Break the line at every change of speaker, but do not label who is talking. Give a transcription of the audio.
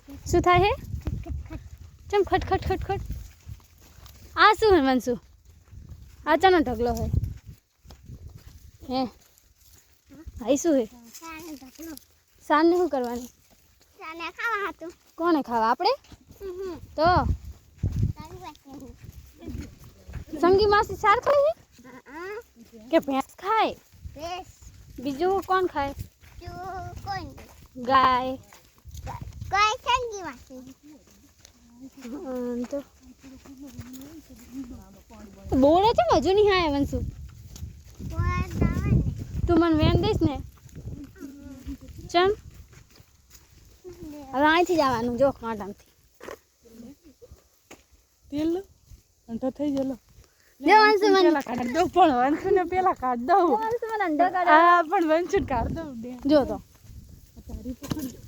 શું થાય હે ચમ ખટ ખટ ખટ ખટ આ શું હે મનસુ આ ચાનો ઢગલો હે હે ભાઈ શું હે સાન ને શું કરવાની કોને ખાવા આપણે તો સંગી માસી સાર ખાય કે ભેંસ ખાય બીજું કોણ ખાય ગાય તો બોલે છે હજુ નહીં હા વંશુ તું મને વેન દઈશ ને ચમ હવે અહીંથી જવાનું જો કાંટામથી
તેલ અંઠો થઈ ગયેલો
જો વંશુ મને
પેલા કાઢ દઉં પણ વંશુને પેલા કાઢ દઉં
વંશુ મને અંડો કાઢે
હા પણ વંશુ કાઢ દઉં
જો તો
તારી પકડ